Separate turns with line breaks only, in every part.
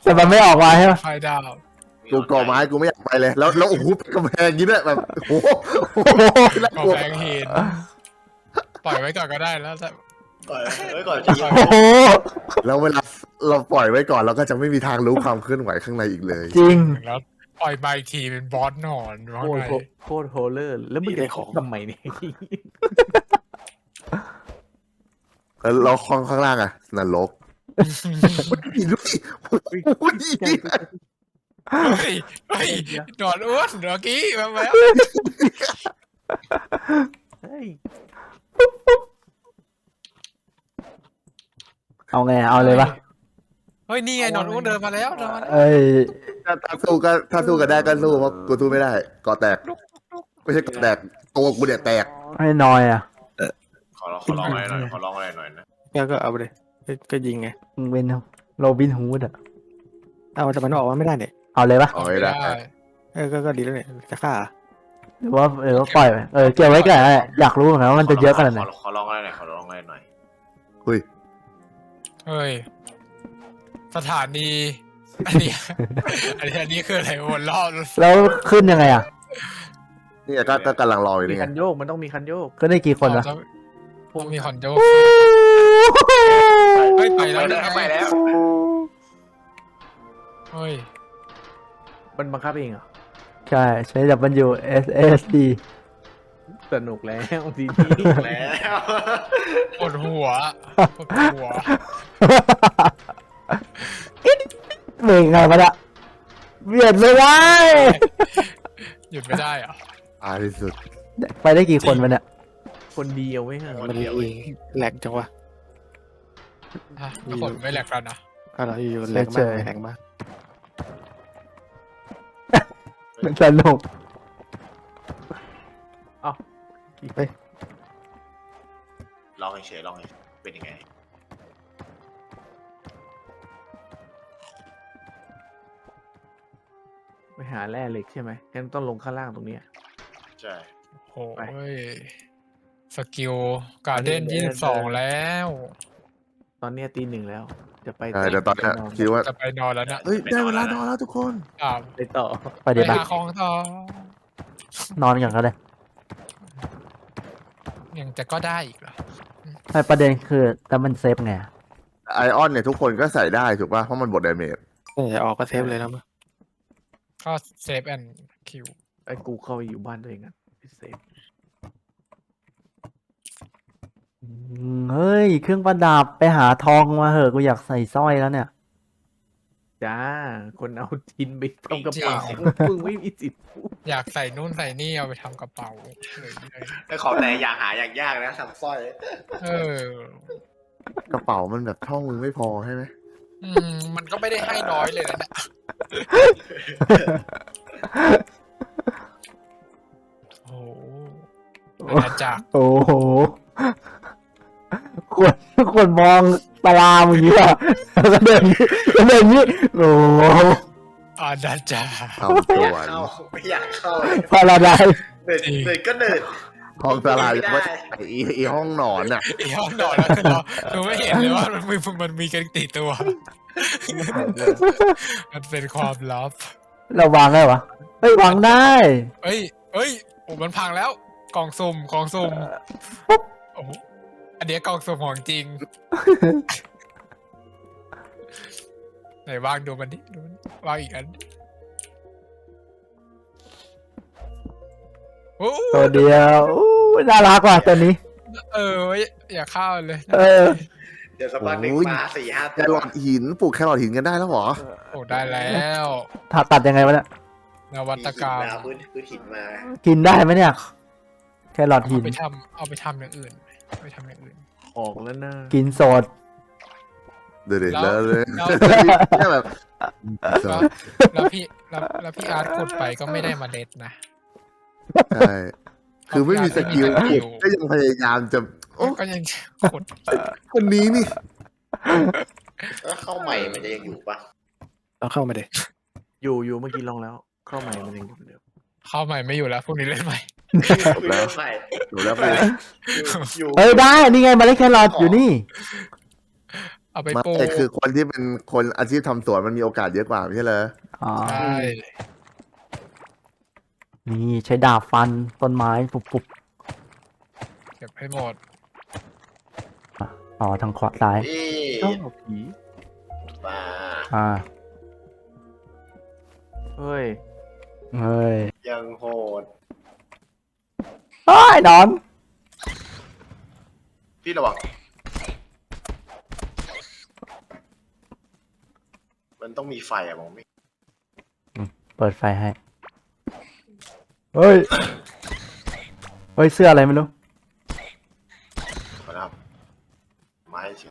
แต่มันไม่ออกมาใช่ไหม
ไฟดาว
กูก่อไม้กูไม่อยากไปเลยแล้วโอ้โหเป็นกำแพงอย่างนี้ด้วยแบบโอ้โหน่า
ขอก
ลัว
แบงเห็นปล่อยไว้ก่อนก็ได้แล้วแต่
ก่อนไว้ก่อนจะยิง
โอ้โห
แล้วเวลาเราปล่อยไว้ก่อนเราก็จะไม่มีทางรู้ความเคลื่อนไหวข้างในอีกเลย
จริง
แล้วปล่อยใบทีเป็นบอสหนอนว่า
โคต
ไง
รโคตรโฮเลอร์แล้วมึงจะของทำไมเนี่ย
แล้วเราข้างล่างอะนรกดูดิโอ้ย
เฮ้ยเฮ้ยหนอนอ้วนเมื่อกี้มาแล้ว
เฮ้ย
เอาไงเอาเลยปะ
เฮ้ยนี่ไงหนอนอ้วนเดินมาแล้วเดินมาแล้ว
เอ้ย
ถ้าสู้กันได้ก็สู้เพราะกูสู้ไม่ได้ก่อแตกไม่ใช่ก่อแตกตัวกูเนี่ยแตก
ให้นอยอ่ะ
ขอร้องอะไรหน่อยขอร้องอะไรหน่อยนะ
ก็เอาไปเลยก็ยิงไง
มึงเป็นโรบินฮูดอ่ะ
เอาแต่มันออกมาไม่ได้เนี่ย
เอาเลยปะ
เอาไม่ได้
ก็ดีแล้วเนี่ยจะฆ่า
หรือว่าปล่อยไปเก็บไว้ก่อนอยากรู้เหมือนกันว่ามันจะเยอะขนาดไหน
ขอร้องอะไรหน่อยขอร้องอะไรหน่อย
เฮ้ยสถานีอันนี้อันนี้คืออะไรวนรอบ
แล้วขึ้นยังไงอ่ะ
นี่ก็กำลังรออยู่
มี
นี่ไง
คันโยกมันต้องมีคันโยก
ก็ได้กี่คนวะ
พวกมีคอนโดเฮ้ยไปแล้ว
ไปแล้ว
เฮ้ย
มันบังคับเองเหรอ
ใช่ใช้ WSSD
สนุกแล้วทีนี้
แล้ว
ปวดหัวปวดหัว
เบ่งไงมันอะเบียดไม่ได้
หยุดไม่ได้เหรอ
ตายที่สุด
ไปได้กี่คนมันเนี่ย
คนเดียวไว้เหรอ
มันแหลกจังวะ
ทุกคนไม่แหลกแล้วนะ
อะไรอยู่แหลกมากแหลกมาก
มันสนุก
ลองเฉยลองเป็นยังไง
ไปหาแร่เหล็กใช่ไหมงั้นต้องลงข้างล่างตรงเนี้ย
ใช่
โอ้ยสกิลการ์เด้น22แล้ว
ตอนเนี้ยตี 1แล้ว จะไป
ใช่แต่ตอนนี้คิดว่า
จะไปนอนแล้วนะ
เฮ้ยได้เวลานอนแล้วทุกคน
ไปต่อ
ไปเดี๋ยว
ไป
ไป
หาของต่อน
อนกันก็ได้
ยังจะก็ได้อีกเหรอ
แต่ประเด็นคือแต่มันเซฟไงอะ
ไอออนเนี่ยทุกคนก็ใส่ได้ถูกป่ะเพราะมันบดดาเมจ
จะออกก็เซฟเลยนะมั้ง
ก็เซฟแอนด์คิว
ไอ้กูเข้าไปอยู่บ้านตัวเองอ่ะไปเซฟ
เฮ้ย เครื่องประดับไปหาทองมาเหอะกูอยากใส่สร้อยแล้วเนี่ย
จ้า คนเอาทินไปทำกระเป๋ามึงไม่มีสิทธิ์พูด
อยากใส่นู่นใส่นี่เอาไปทำกระเป๋าเลย
ไอ้ของแต่อย่างหาอย่างยากนะทำสร้อย
เออก
ระเป๋ามันแบบช่องมึงไม่พอใช่ไหม
มันก็ไม่ได้ให้น้อยเลยนะเนี่ยโอ้โหอาณาจักร
โอ้โหคนมองตารางอย่างนี้อ่ะแล้วก็เดินนี้โอ้โห
อาณาจักร
ทำตัว
ไม่อยากเข้าเลย
พาราไดซ์
เดินก็เดิน
ห้องสลายว่าไอห้องนอนน่ะ
ไอ้ห้องนอนแล้วคือเราไม่เห็นเลยว่ามันมีกันติดตัว มันเป็นความลับ
เราวางได้ปะเฮ้ยวางได้
เอ้ยโอ้มันพังแล้ว กล่องสุ่มโอ้โหอันเนี้ยกล่องสุ่มของจริง ไหนวางดูมันดิวางอีกอันโอ้
ตัวเดียวอู้น่ารักว่ะตัวนี้
อย่าเข้าเลย
เดี๋ยวสักพักหนึ่งมา4-5
แครอทหินปลูกแครอทหินกันได้แล้วเหรอ
โอ้ได้แล้ว
ตัดยังไงวะเนี่ย
นวัตกรรม
พื้นหินมา
กินได้ไหมเนี่ย แครอทหิน
เอาไปทำอย่างอื่นไปทำอย่างอื่น
ออกแล้วนะ
กินสด
เดี๋ยว
แล้ว
เลย
แล้ว
เนี่ยแบบ
แล้วพี่อาร์ตขุดไปก็ไม่ได้เมาเล็ดนะ
ใช่คือไม่มีสกิลก็ยังพยายามจะโอ้
ก็ยังขุด
คนนี้นี่
แล้วเข้าใหม่มันจะยังอยู่ปะ
เราเข้ามาเด็
อยู่เมื่อกี้ลองแล้ว เข้าใหม่มันยังอยู่เหมือนเดิม
เข้าใหม่ไม่อยู่แล้วพรุ่งนี้เล่นใหม่
แล้วใหม่
ดูแล้วไป
อยู่
เฮ้ยได้ นี่ไงเมาเล็ดแครอทอยู่นี่
เอาไป
ไม่
ปลูก
คือคนที่เป็นคนอาชีพทำสวนมันมีโอกาสเยอะกว่าไม่ใช่เหรอ
อ๋อ
ใช่
นี่ใช้ดาบฟันต้นไม้ปุบ
เก็บให้หมด
อ๋อทางขวาซ้าย
พี่
เอ้าผี
มา
อ่า
เฮ้ย
เฮ้ย
ยังโหด
เฮ้ยนอน
พี่ระวังมันต้องมีไฟอะมองไม่
เปิดไฟให้ เฮ้ย เฮ้ย เสื้ออะไรไม่รู้
ขอนะครับไม้เฉย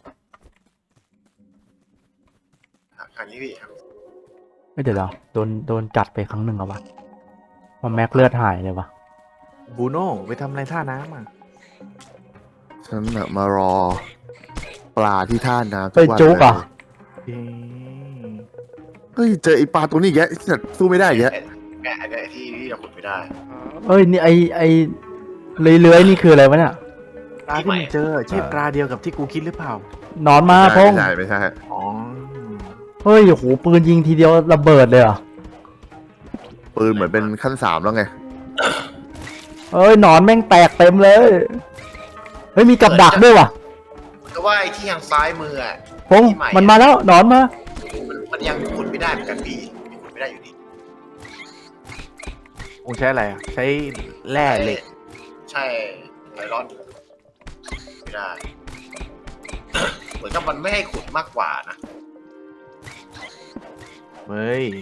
ครั้งนี้พี่ครับ
ไม่เดี๋ยวเราโดนกัดไปครั้งหนึ่งเหรอวะว่าแม็กเลือดหายเลยวะ
บูโน่ไปทำอะไรท่าน้ำอ่ะ
ฉันน่ะมารอ ปลาที่ท่าน้ำ
เฮ้ย
วัน
จุกเหรอ
เลย
เอ๊ะ
เฮ้ยเจอไอปลาตัวนี้อีกแกสัตว์สู้ไม่ได้อีกแก
แกะไอ้ที่เราขุดไม่ได้
เฮ้ย นี่ไอเลื้อยๆนี่คืออะไรวะเนี่ย
ปลาที่มึงเจอใช่ปลาเดียวกับที่กูคิดหรือเปล่า
นอนมาพง
ไม่ใช่
อ๋อ
เฮ้ยโอ้โหปืนยิงทีเดียวระเบิดเลยเหรอ
ปืนเหมือนเป็นขั้น 3แล้วไง
เฮ้ยหนอนแม่งแตกเต็มเลย เฮ้ยมีกับดักด้วยว่ะ
ก็ว่าไอ้ที่ทางซ้ายมืออะ
พงมันมาแล้วหนอนมา
มันยังขุดไม่ได้เหมือนกันพี่ขุดไม่ได้อยู่ดี
มึงใช้อะไรอ่ะ ใช้แร่เหล็ก
ใช่ไอรอนไม่ได้ เหมือนกับมันไม่ให้ขุดมากกว่านะ
เฮ้ย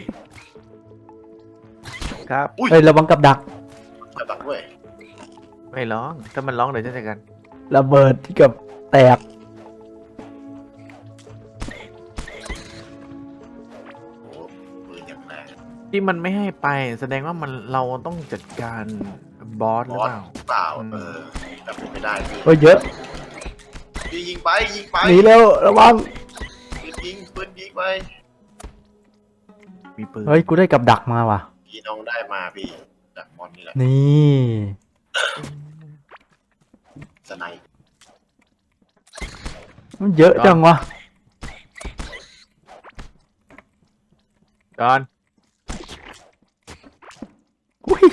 ครับ
เฮ้ยระวังกับดัก
กระดักด้วย
ไม่ร้อง ถ้ามันร้องเดี๋ยวจะจัดการ
ระเบิดที่กับแตก
โอ้ปืนอย่างแรง
ที่มันไม่ให้ไป แสดงว่ามันเราต้องจัดการบอสห
บ
รือ
อ
เป
ส
ล่า
เปล่า
อืม
แต่ผมไม่ได้พี่
เฮ้ยเยอะ
ยิงไปยิงไป
หนีเร็วระวัง
ปืนยิงไป
มีปืน
เฮ้ยกูได้กับดักมาว่ะ
พี่น้องได้มาพี่จากมอนนี่แหละ
นี่
สไนป์
มันเยอะจังวะ
จอน
อุ้ย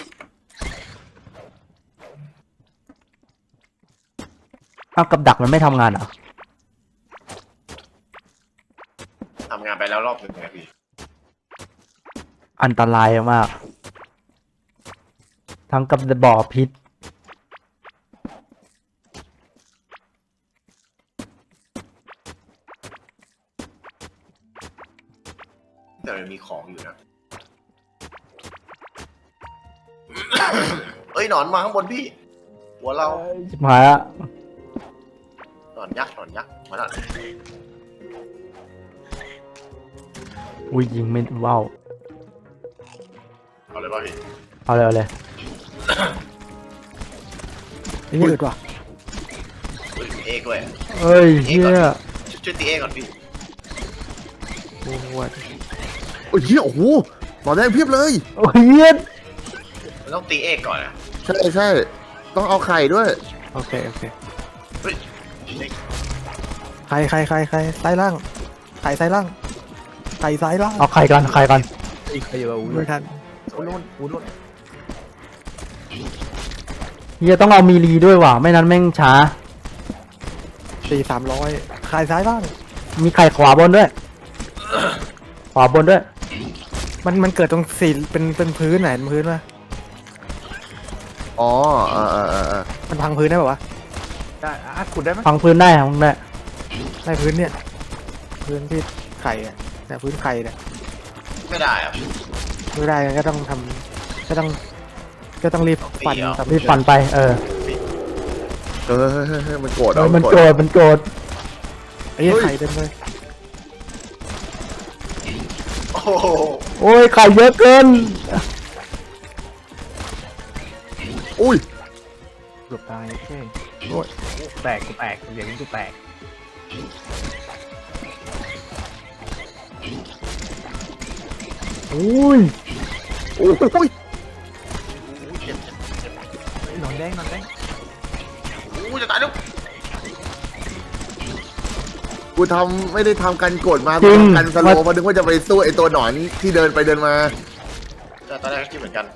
เอากับดักมันไม่ทำงานเหรอ
ทำงานไปแล้วรอบหนึ่งไงพี่
อันตรายมาก ทั้งกับบ่อพิษ
แต่มันมีของอยู่นะ เอ้ยหนอนมาข้างบนพี่ หัวเรา
ชิบหายละ
หนอนยักษ์มาแล้ว
อุ้ยยิงไม่ว้าว
เอาเลยป่ะพี่
เอาเลยเอาเลย
นี่ยืดว่ะ
เฮ้ยมีเอกด้วย
เอ้ยเฮีย
ช่วยตีเอกก่อนพี่
โอ้โห
โอ้ยเหี้ยโอ้โหหนอนแดงเพียบเลย
โอ้ยเฮีย
มันต้องตีเอกก่อนนะ
ใช่ ต้องเอาไข่ด้วย
โอเคโอเค
เฮ้ย
ใครซ้ายล่างไข่ซ้ายล่างไข่ซ้ายล่าง
เอาไข่กันไข่กัน
อีกใครอยู่
ไม่ทัน
อูโน่นอูโน่น
เฮียต้องเอามีรีด้วยว่ะไม่นั้นแม่งช้า
300ไข่ซ้ายล่าง
มีไข่ขวาบนด้วย ขวาบนด้วย
มันเกิดตรงสีเป็นพื้นไหนพื้นวะ
อ๋อ
มันพังพื้นได้ป่าวะ
ได้อาร์ตขุดได้ไหม
ฟังพื้นได้ฟังได้
ได้พื้นเนี่ยพื้นที่ไข่อะเนี่ยพื้นไข่เนี่ย
ไม่ได้อะ
ไม่ได้ก็ต้องทำก็ต้องรีบปั่น
ปีเหรอ
ทำ
รีบปั่นไป
เฮ้ยมันโกรธ
เออมันโกรธมันโกรธ
ไอ้เหี้ยไข่เต็มเลย
โอ้โห
โอ้ยไข่เยอะเกิน
อุ้ย
เกือบตายโอเคแตกกูแตกอย่างนี้กูแตก
อุ้ย
โอ้ย
เจ็บ
หนอนแดง
โอ้จะตายแล้ว
กูทำไม่ได้ทำกันกดมา
จริง
กูทำกันสโลว์เพราะนึกว่าจะไปสู้ไอ้ตัวหนอนที่เดินไปเดินมา
แต่ตอนแรกก็คิดเหมือนกัน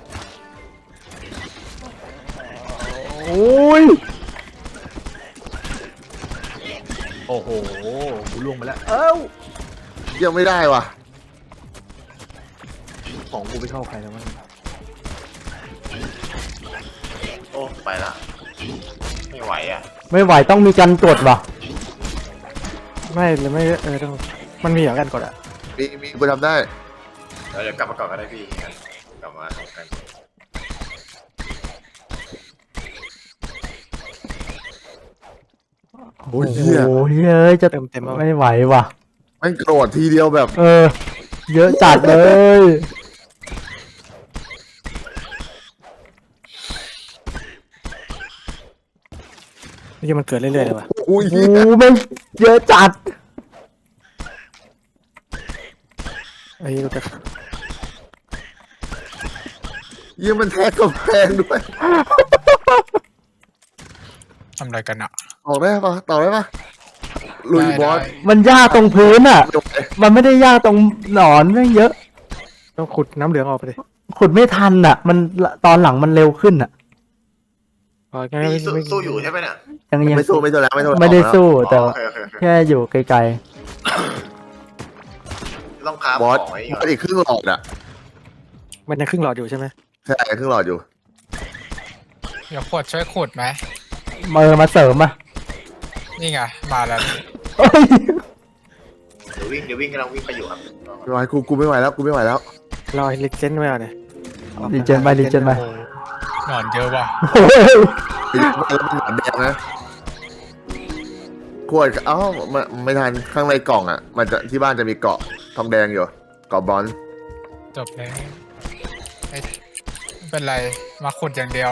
โอ้ย
โอ้โหกูล่วงไปแล้ว
ยังไม่ได้ว่ะ
ของกูไปเข้าใครแล้วมั้ง
โอ้ไปละไม่ไหวอ่ะ
ไม่ไหวต้องมีการกดว่ะ
ไม่เลยไม่ต้องมันมีอย่างกันกดอ่ะ
มีกูทำได้
เดี๋ยวกลับมาก่อนก็ได้พี่กลับมาทำกัน
โอ้ย
โอ้
เหี้ย
โหเฮ้ยจะ
เต็มแล้ว
ไม่ไหวว่ะ
มันโกรธทีเดียวแบบ
เยอะจัดเลย
นี่มันเกิดเรื่อยๆเลยว่ะ
อุ้ย
โอ้โหไม่งเยอะจัด
ไอ้เราจะ
เยี่ยมันแทกกำแพงด้วย
ทำอะไรกันอะ
ออกได้ปะต่อได้ปะลุยบอส
ได้
มันยากตรงพื้นอ่ะ
จบเลย
มันไม่ได้ยากตรงหนอนแม่งเยอะ
ต้องขุดน้ำเหลืองออกไปเลย
ขุดไม่ทันอ่ะ มันตอนหลังมันเร็วขึ้นอ่ะ
พอแค่
พี่สู้อยู่ใช่ไหมเนี่ย
ยัง
ไม่สู้แล้วไม่สู้
ไม่ได้สู้แต่
อ๋อ
ว่า
โอเคโอเคโอเค
แค่อยู่ไกล
ต้องค้า
บอส
ของไว้
บ
ก่
อ
อน
สอีกครึ่งหลอดอ่ะ
มันยังครึ่งหลอดอยู่ใช่ไหม
ใช่ครึ่งหลอดอยู่
เดี๋ยวขวดช่วยขุดไหม
ๆมาเสริมอ่ะ
นี่ไงมาแล้ว
เอ้ย
เดี๋ยววิ่งกำลังวิ่งไปอยู่ครับ
ไม่ไหวกูไม่ไหวแล้วกูไม่ไหวแล้ว
รอลิเจนไว้เอาเนี่ย
รีเจนไปรีเจนไป
โอ้หนอนเยอะว่ะ
โอ้ย
แล้วมันหนอนแดงนะขวดเอ้าไม่ทันข้างในกล่องอ่ะ มันจะที่บ้านจะมีเกาะทองแดงอยู่เกาะบอล
จบแล้วไม่เป็นไรมาขุดอย่างเดียว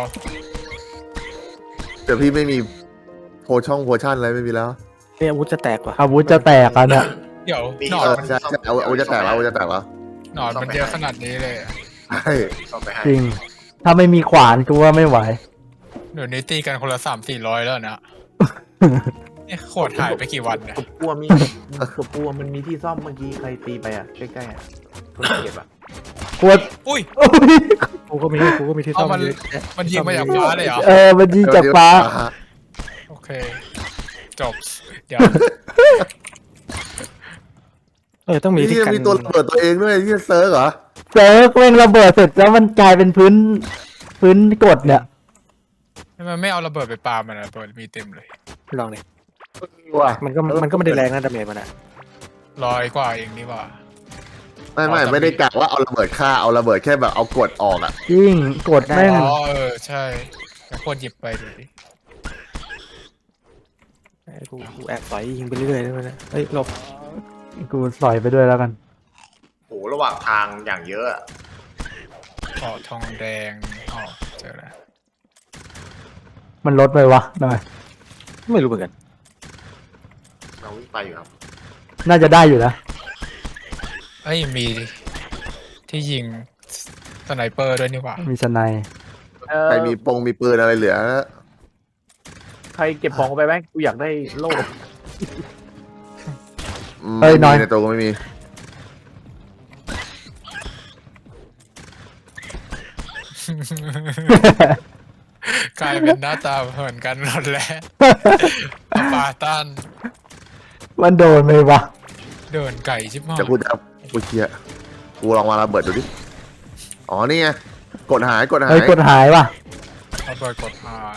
แต่พี่ไม่มีโพชั่นอะไรไม่มีแล้ว
นี่อาวุธจะแตกว่ะ
อาวุธจะแตกอ่ะเนี่ย
เดี๋ยว
มี
หนอ
เอน อ
มัน
ใช่ใช่เอาจะแตกแล้วเอาจะแตกแล้ว
หนอนมันเยอะขนาดนี้เลยอะ
ใช่
ซ่อมไปให้
จริง ถ้าไม่มีขวานกูว่าไม่ไหว
เดี๋ยวนี้ตีกันคนละ300-400แล้วนะนี่ขวดหายไปกี่วันเนี่ย
กบปัวมีกบปัวมันมีที่ซ่อมเมื่อกี้ใครตีไปอ่ะใกล้ๆอ่ะคนเก็บอ่ะ
ขวด
อุ้ย
โอ้ย
กูก็มีที่ซ่อม
เอามัน
เยอะแยะ
มันยิงมาจากฟ้าเลยเหรอ
มันยิงจากฟ้า
โอเค จบ เดี๋ยว
ต้องมีที่
นี่
กัน
มีตัวระเบิดตัวเองด้วยที่เซิร์กเหรอ
เซิร์ฟแม่งระเบิดเสร็จแล้วมันกลายเป็นพื้นกดเนี่ย
มันไม่เอาระเบิดไปปามันอะระเบิดมีเต็มเลย
ลองเลย
ว่ะ
มันก็ไม่ได้แรงนะดาเมจมันอ่ะ
100 กว่าเองนี่หว่า
ไม่ได้กะว่าเอาระเบิดฆ่าเอาระเบิดแค่แบบเอากดออกอ่ะ
จริงกดแม่ง
อ๋อใช่แล้วควรหยิบไปดูดิ
กูแอบต่อยยิงไปเรื่อยๆด้วยนะเฮ้ยหลบ
กูสอยไปด้วยแล้วกัน
โหระหว่างทางอย่างเยอะอะ
อ๋อทองแดงอ๋อเจอแล้ว
มันลดไปวะหน่อย
ไม่รู้เหมือนกัน
เราวิ่งไปอยู่ครับ
น่าจะได้อยู่นะ
เอ้ยมีที่ยิงสไนเปอร์ด้วยนี่หว่า
มีสไนด์
ใครมีมีปืนอะไรเหลือ
ใครเก็บของไปไหมกูอยากได้โล่
ไม่มีในตัวก็ไม่มี
กลายเป็นหน้าตาเหมือนกันหมดแล้วปาตัน
มันโดนไหมวะ
เดินไก่ชิบหาย
จะกูเคลียร์กูลองมาระเบิดดูดิ อ๋อนี่ไงกดหาย
เฮ้ยกดหายว่ะ
ระเบิดกดหาย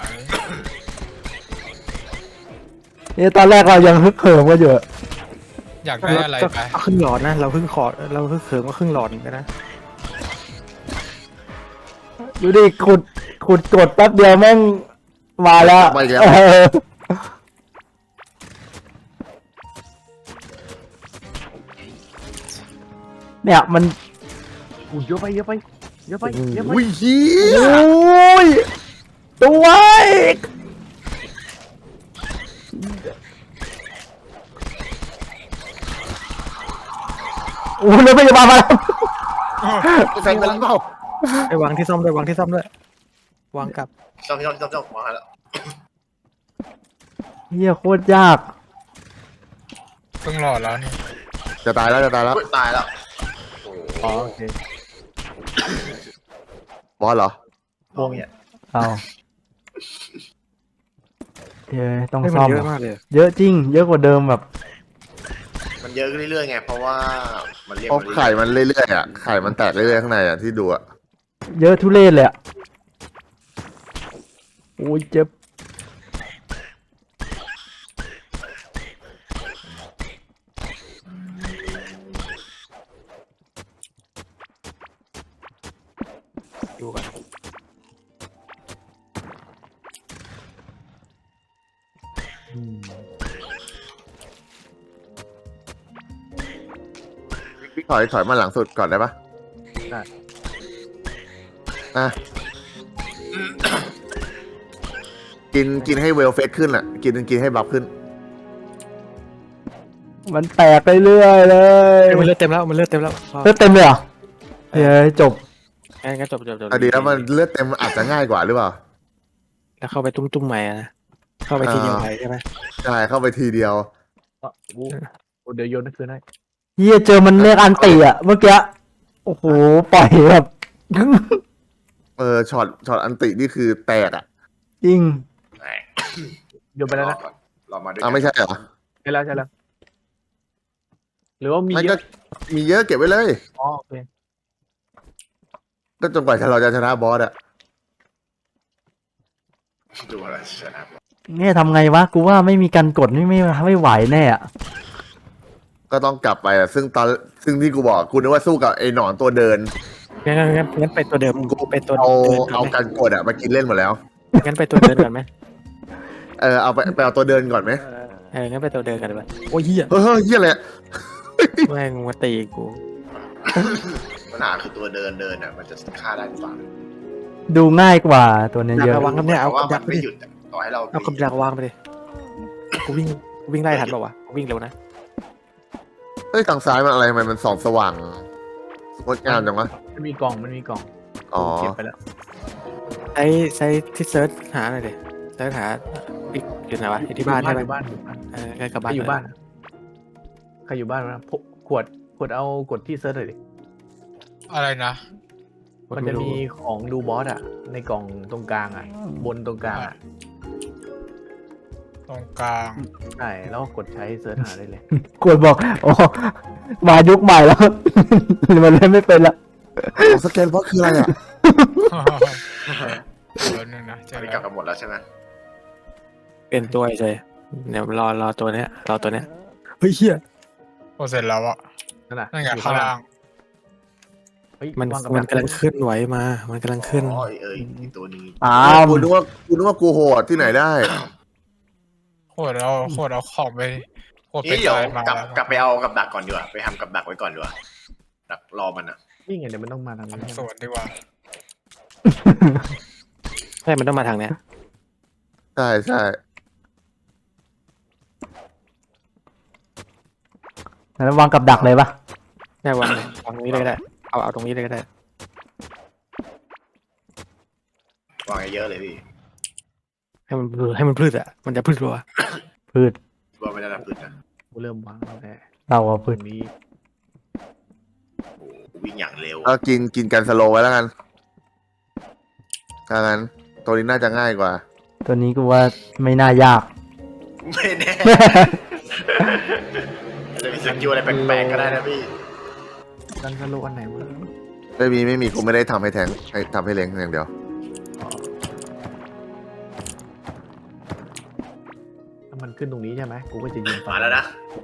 นี่ตอนแรกเรายังฮึกเหิมกันอยู่
อยากได้อะไรไป
ครึ่งหลอดนะเราเพิ่งเขิมก็ครึ่งหลอดเหมือนกันนะ
ดูดิขุดกดแป๊บเดียวแม่งมาแล้ว
ไปอีกแล้ว
เออเนี่ยมัน
กูเยอะไปเยอะไปเยอะไปเยอะไป
อุ้ยเฮี
โอ้
ย
ยตัวอีกโอ้ยรถพยาบาลมาแล้ว
ใส่ไปแล้วเปล่า
ไปวางที่ซ่อมด้วยวางที่ซ่อมด้วยวางกลับ
ซ่อมวางให้แล้ว
เฮียโคตรยาก
เพิ่งหลอดแล้วนี่
จะตายแล้วจะตายแล้ว
อุ๊ยตายแล้วโอ้โห
อ๋อโอเค
บอสเหรอ
มองเนี่ย
เอาต้อง
ให้มั
ซ่
น
อม
เยอะมากเลย
เยอะจริง เยอะกว่าเดิมแบบ
มันเยอะขึ้นเรื่อยๆไงเพราะว่ามันเรียก
เพราะไข่มันเรื่อยๆอ่ะไข่มันแตกเรื่อยๆข้างในอ่ะที่ดูอ่ะ
เยอะทุเรศเลยอะโอ้ยเจ็บ
ดูกัน
พี่ถอยมาหลังสุดก่อนได้ปะ
ได้
อ่ะกินให้เวลเฟสขึ้นอ่ะกินให้บัฟขึ้น
มันแตกไปเรื่อยเลย
มันเลือดเต็มแล้วมันเลือดเต็มแล้วพอ
เลือดเต็มเลยเหรอเฮ้ยจบ
งั้นจบ
อะดีแล้วมันเลือดเต็มอาจจะง่ายกว่าหรือเปล่า
แล้วเข้าไปตุ้มๆใหม่อะนะเข้าไปทีเดียวไปใช่ไหม
ใช่เข้าไปทีเดียว
อ๋อกูเดี๋ยวโยนนั่นคืนให้
เฮียเจอมันเรียกอันติอ่ะเมื่อกี้โอ้โหปล่อยแบบ
ช็อตอันตินี่คือแตกอ่ะ
จริง
แหม
โยนไปแล้วนะ
รอมาด้วย
อ้าวไม่ใช่เหรอ
ใช่แล้วหรือว่ามี
ไม่
เย
ก็
อะ
มีเยอะเก็บไว้เลย
อ๋อโอเค
ก็จนกว่าเราจะชนะบอสอ่ะ
ดูอะไรชนะ
เนี่ยทำไงวะ กูว่าไม่มีการกดไม่ไหวแน่อะ
ก็ต้องกลับไปอ่ะซึ่งที่กูบอกกูนึกว่าสู้กับไอ้หนอนตัวเดิน
งั้นไปตัวเดิมกูไปตัว
เอา
เดินก่
เอา
อนไหม
การกดอ่ะมากินเล่นหมดแล้ว
งั้นไปตัวเดินก่อนไหม
เอาไปเอาตัวเดินก่อนไหม
งั้นไปตัวเดินกันดีกว่าโอ้ยเหี้ย
เฮ้ยเฮียอะไรอะ
แม่งมาตีกู
ปัญหาคือตัวเดินอ่ะมันจะฆ่าได้หรือเปล่า
ดูง่ายกว่าตัวเนี้ย
อยาก
เยอะ
ระวังครับเนี่ยเอา
เพราะ
กั
ว่า
บ
มั
ดัก
น
ไป
ไม่
ดิ
หยุดอะต่อให้เรา
เอากับดักวางไปดิกูวิ่งไล่ทันเปล่าวะกูวิ่งเร็วนะ
เฮ้ยทางซ้ายมันอะไรทำไมมันส่องสว่างงดงามจังวะ
มันมีกล่อง
อ๋อ
เก็บไปแล้ว
ใช้ที่เซิร์ชหาหน่อยดิเซิร์ชหาอีกอยู่ไหนวะอยู่ที่บ้านใช่ไหม
อยู่บ้าน
ใกล้กับ
ใคร
บ้าน
อยู่บ้านใครอยู่บ้านนะขวดเอากดที่เซิร์ชเลยดิ
อะไรนะ
มันจะมีของดูบอสอ่ะ ในกล่องตรงกลางอ่ะ บนตรงกลางอ่ะ
ตรงกลาง
ใช่แล้วก็กดใช้เซิร์ชหาได้เลย
กดบอกโอ้มายุคใหม่แล้ว มันเล่นไม่เป็นละ
สแกนบอสคืออะไรอ่ะ
เดี๋ยวนึงนะเจ
ตอ
อน
นี้
แล้
กลับ
ว
กันหมดแล้วใช่ไหม
เป็นตัวเฉยเดี๋ยวรอตัวเนี้ยเฮ้ยเหี้ย
โอเสร็จแล้วอะ
นั่นน่ะ
นั่นไง
อยู่
ข้างล่าง
เฮ้ย
มัน
วางกับ
มัน
ดั
กำลังขึ้นไหวมา มันกำลังขึ้น
อ๋ออีกตัวนี้
อ้าว
กูนึกว่ากูโหดที่ไหนได้
โคตรเอาของไปโคตรไป
นี่เดี๋ยว
ตายมาก
ลับ
แล้ว
กลับไปเอากับดักก่อนดีกว่าไปทำกับดักไว้ก่อนดีกว่าดักรอมันอ่ะ
นี่ไงเดี๋ยวมันต้องมาทางนี้
ทำสวนดีกว่า
ใช่ มันต้องมาทางเนี้ย
ใช่ใช่
แล้ววางกับดักเลยปะ
ได้วางตรงนี้เลยก็ได้ เอาตรงนี้เลยก็ได้
วางเยอะเลยพี่
ให้มันพืชอ่ะ มันจะพืชรัว
พืช
ว่าไม่ได้รับพื้นนะ
กูเริ่มวางแล้วแต่
เราอะ
ต
พื
ร
ช
งนี้
โอ้โหวิ่งอย่างเร็ว
ก็กินกันสโลว์ไว้แล้วกันถ้างั้นตัวนี้น่าจะง่ายกว่า
ตัวนี้กูว่าไม่น่ายาก
ไม่แน่ จะมีสกิลอะไรแปลกๆก็ได้นะพี่
กันสโลอันไหนวะ
ไม่มีกูไม่ได้ทำให้แทงให้ทำให้เล้งอย่างเดียว
ถ้ามันขึ้นตรงนี้ใช่ไหมกูก็จะยิง
มาแล้วนะ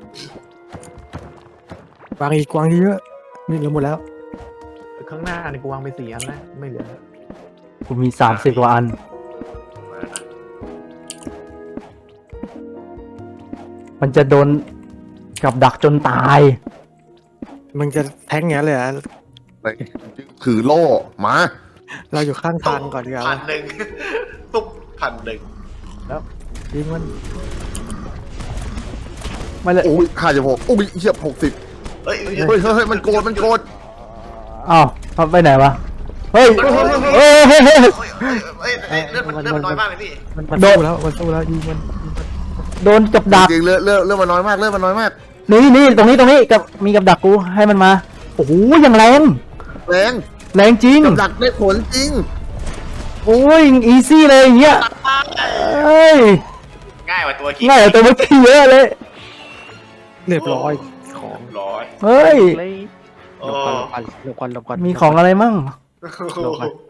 วางอีกวางเยอะนี่เหลือหมดแล้ว
ข้างหน้านี่กูวางไป4 อันแล้วไม่เหลือแล้ว
กูมี30กว่าอัน
มาแล้วนะ
มันจะโดนกับดักจนตาย
มันจะแทงอย่างนั้นเลยอ่ะ
ถือโล่มา
เราอยู่ข้างทางก่อนดีกว่า
1,000ตุ๊บ1,000
ยิงมัน
ไม่เลย
โอ้ย56โอ้ยเหี้ย60
เฮ้ย
เฮ้ยมันโกรธ
อ้าวเอาไปไหนวะ เฮ้ยเฮ้ย
เลือดมันน้อยมากเลยพี่
มันสู้แล้วยิงมัน
โดนกับดัก
จริงๆเลือดมันน้อยมาก
นี่ตรงนี้กับมีกับดักกูให้มันมาโอ้โหยังแรง
แรง
แรงจริง
กับดักได้ผลจริง
โอ้ยอีซี่เลยอย่างเงี้ยเอ้ย
ง่ายกว่าตัวคิด
ง่ายกว่าตัวเมื่อกี้เยอะเลย
เรียบร้อยของ
ร้อย
เฮ้ย
เลย
หลบก่อนหลบก่อนหลบก่อน
มีของอะไรมั่ง
หลบก่อน